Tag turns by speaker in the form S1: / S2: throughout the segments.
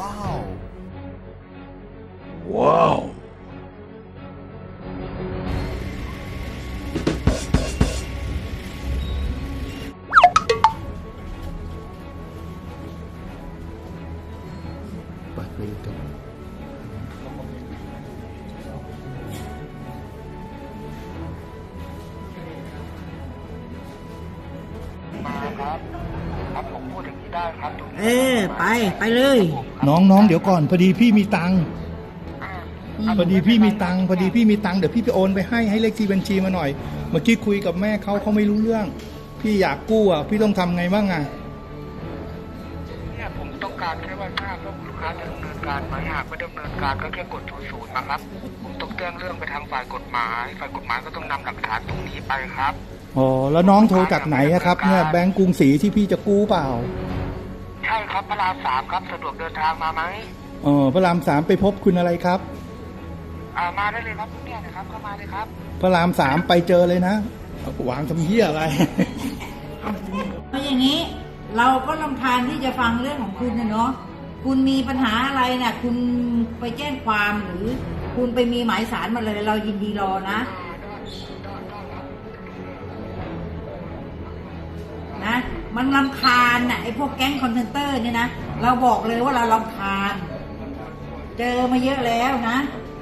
S1: Wow. Wow.
S2: ปัดไปตรง
S3: มาครับครับผมพูดอย่างนี้ได้ครับตรงนี้
S4: ไปเลย
S2: น้องเดี๋ยวก่อนพอดีพี่มีตังค์พอดีพี่มีตังค์เดี๋ยวพี่ไปโอนไปให้เลขที่บัญชีมาหน่อย เมื่อกี้คุยกับแม่เขาไม่รู้เรื่อง พี่อยากกู้อ่ะพี่ต้องทำไงบ้างอ่ะ
S3: เนี่ยผมต้องการแค่ว่าทราบว่าลูกค้าจะดำเนินการไหมหากไม่ดำเนินการก็แค่กด00นะครับผมต้องแจ้งเรื่องไปทางฝ่ายกฎหมายก็ต้องนำหลักฐานตรงนี้ไปครับ
S2: อ๋อแล้วน้องโทรจากไหนอะครับเนี่ยแบงก์กรุงศรีที่พี่จะกู้เปล่า
S3: ใช่ครับพระราม3ครับสะดวกเดินทางมาไหม
S2: พระราม3ไปพบคุณอะไรครับ
S3: มาได้เลยครับเนี่ยนะครับเข้ามาเลยครับ
S2: พระราม3ไปเจอเลยนะวางทำเหี้ยอะไร
S4: เพราะอย่างนี้เราก็รำคาญที่จะฟังเรื่องของคุณนะเนาะคุณมีปัญหาอะไรน่ะคุณไปแจ้งความหรือคุณไปมีหมายสารมาเลยเรายินดีรอนะมันรำคาญน่ะไอ้พวกแก๊งคอนเทนเตอร์เนี่ยนะเราบอกเลยว่าเรารำคาญเจอมาเยอะแล้วนะ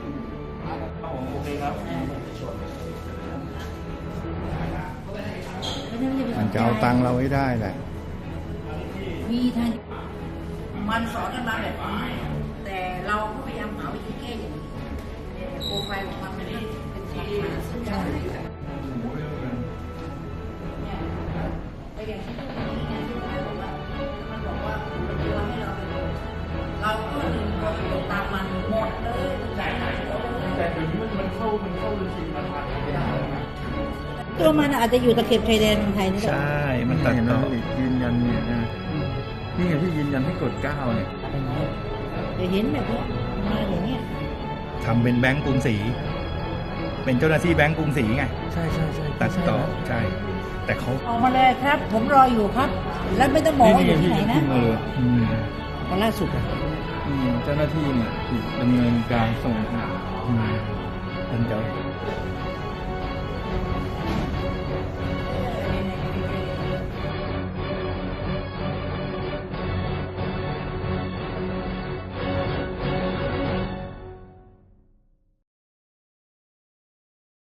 S2: มันจะเอาตังค์เราให้ได้แหละ
S4: มีทางมันสอนกันมาแบบนี้แต่เราก็พยายามหาวิธีแก้อย่างนี้โปรไฟล์ของมันเป็นความสุดยอดไปอย่างที่มันบอกว่ามันโยนให้เราก็ดึงตัวตามมันหมดเลยแต่เดี๋ยวนี้มันเข้าบัญชีมันไม่ได้ตัวมันอาจจะอยู่ตะเข็บชายแดนเมืองไทยนี่แหละ
S2: ใช่มันตัดต่อยืนยันเนี่ยนะนี่ไงที่ยืนยันให้กด9เนี่ย
S4: จะเห็นแบบนี้มาอย่างเงี้ย
S2: ทำเป็นแบงก์กรุงศรีเป็นเจ้าหน้าที่แบงก์กรุงศรีไงใช่ตัดต่อใช่แต่เขา
S4: ออกมาเลยครับ ผมรออยู่ครับ แล้วไม่ต้องบอกว่าอยู่ที่ไหนนะวันล่าสุดอะ
S5: เจ้าหน้าที่เนี่ยดำเนินการส่ง
S2: เป็นเจ้า